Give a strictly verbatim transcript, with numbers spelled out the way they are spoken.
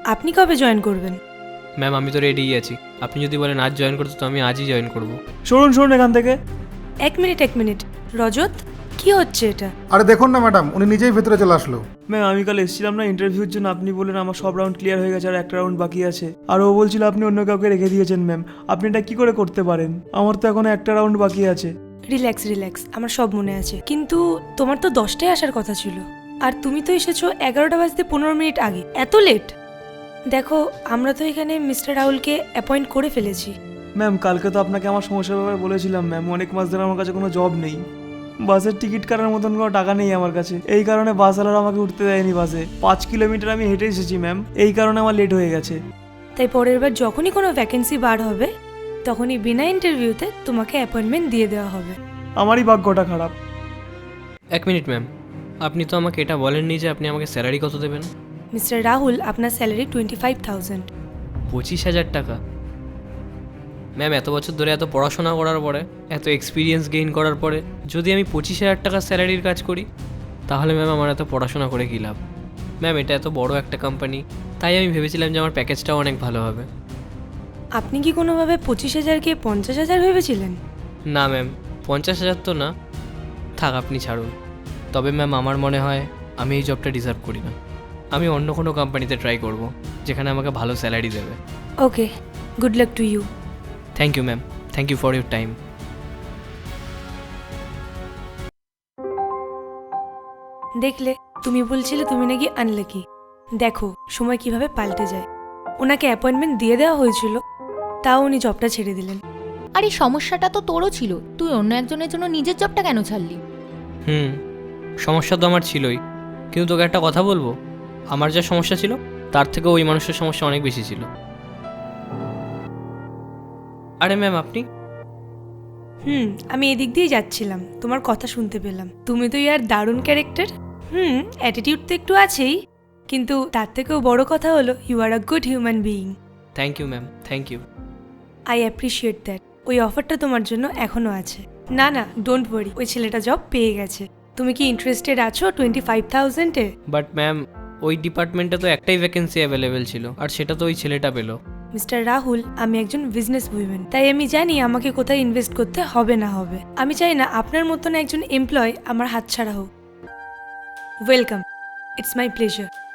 আপনি কবে জয়েন করবেন? ম্যাম আমি তো রেডিই আছি, আপনি যদি বলেন আজ জয়েন করতে তো আমি আজই জয়েন করব। শুনুন শুনুন এখান থেকে। এক মিনিট এক মিনিট রজত, কি হচ্ছে এটা? আরে দেখুন না ম্যাডাম, উনি নিজেই ভেতরে চলে আসলো। ম্যাম আমি কাল এসেছিলাম না ইন্টারভিউর জন্য, আপনি বললেন আমার সব রাউন্ড ক্লিয়ার হয়ে গেছে আর একটা রাউন্ড বাকি আছে, আর ও বলছিল আপনি অন্য কাউকে রেখে দিয়েছেন। ম্যাম আপনি এটা কি করে করতে পারেন? আমার তো এখন একটা রাউন্ড বাকি আছে। রিল্যাক্স রিল্যাক্স, আমার সব মনে আছে। কিন্তু তোমার তো দশটায় আসার কথা ছিল, আর তুমি তো এসেছো এগারোটা বাজতে পনেরো মিনিট আগে। এত লেট? দেখো, আমরা তো এখানে মিস্টার রাহুলকে অ্যাপয়েন্ট করে ফেলেছি। ম্যাম কালকে তো আপনাকে আমার সমস্যার ব্যাপারে বলেছিলাম ম্যাম, অনেক মাস ধরে আমার কাছে কোনো জব নেই, বাসের টিকিট কাটার মতন কোনো টাকা নেই আমার কাছে, এই কারণে বাসওয়ালারা আমাকে উঠতে দেয়নি বাসে। পাঁচ কিলোমিটার আমি হেঁটে এসেছি ম্যাম, এই কারণে আমার লেট হয়ে গেছে। তাই পরের বার যখনই কোনো ভ্যাকেন্সি বার হবে তখনই বিনা ইন্টারভিউতে তোমাকে অ্যাপয়েন্টমেন্ট দিয়ে দেওয়া হবে। আমারই ভাগ্যটা খারাপ। এক মিনিট ম্যাম, আপনি তো আমাকে এটা বলেননি যে আপনি আমাকে স্যালারি কত দেবেন। মিস্টার রাহুল, আপনার স্যালারি টোয়েন্টি ফাইভ থাউজেন্ড। পঁচিশ হাজার টাকা? ম্যাম এত বছর ধরে এত পড়াশোনা করার পরে, এত এক্সপিরিয়েন্স গেইন করার পরে যদি আমি পঁচিশ হাজার টাকার স্যালারির কাজ করি, তাহলে ম্যাম আমার এত পড়াশোনা করে কী লাভ? ম্যাম এটা এত বড় একটা কোম্পানি, তাই আমি ভেবেছিলাম যে আমার প্যাকেজটাও অনেক ভালো হবে। আপনি কি কোনোভাবে পঁচিশ হাজারকে পঞ্চাশ হাজার ভেবেছিলেন? না ম্যাম, পঞ্চাশ হাজার তো না, থাক আপনি ছাড়ুন। তবে ম্যাম আমার মনে হয় আমি এই জবটা ডিজার্ভ করি না, আমি অন্য কোনো কোম্পানিতে ট্রাই করব যেখানে আমাকে ভালো স্যালারি দেবে। Okay, good luck to you. Thank you ma'am, thank you for your time. দেখলে, তুমি বলছিলে তুমি নাকি আনলাকি। দেখো সময় কিভাবে পাল্টে যায়। ওনাকে অ্যাপয়েন্টমেন্ট দিয়ে দেওয়া হয়েছিল, তাও উনি জবটা ছেড়ে দিলেন। আর এই সমস্যাটা তো তোরও ছিল, তুই অন্য একজনের জন্য নিজের জবটা কেন ছাড়লি? হুম, সমস্যা তো আমার ছিলই, কিন্তু তোকে একটা কথা বলবো, আমার যা সমস্যা ছিল তার থেকে ওই মানুষের সমস্যা অনেক বেশি ছিল। আরে ম্যাম আপনি? হুম, আমি এদিক দিয়ে যাচ্ছিলাম, তোমার কথা শুনতে পেলাম। তুমি তো ইয়ার দারুণ ক্যারেক্টার। হুম, অ্যাটিটিউড তো একটু আছেই, কিন্তু তার থেকেও বড় কথা হলো you are a good human being. Thank you ma'am, thank you. I appreciate that. ওই অফারটা তোমার জন্য এখনও আছে। না না, ডোন্ট ওয়ারি, ওই ছেলেটা জব পেয়ে গেছে। তুমি কি ইন্টারেস্টেড আছো টোয়েন্টি ফাইভ থাউজেন্ডে? বাট ম্যাম ওই ডিপার্টমেন্টে তো একটাই ভ্যাকেন্সি অ্যাভেলেবেল ছিল, আর সেটা তো ওই ছেলেটা পেলো। মিস্টার রাহুল, আমি একজন বিজনেস উইমেন, তাই আমি জানি আমাকে কোথায় ইনভেস্ট করতে হবে না হবে। আমি চাই না আপনার মতন একজন এমপ্লয় আমার হাতছাড়া হোক। Welcome, it's my pleasure.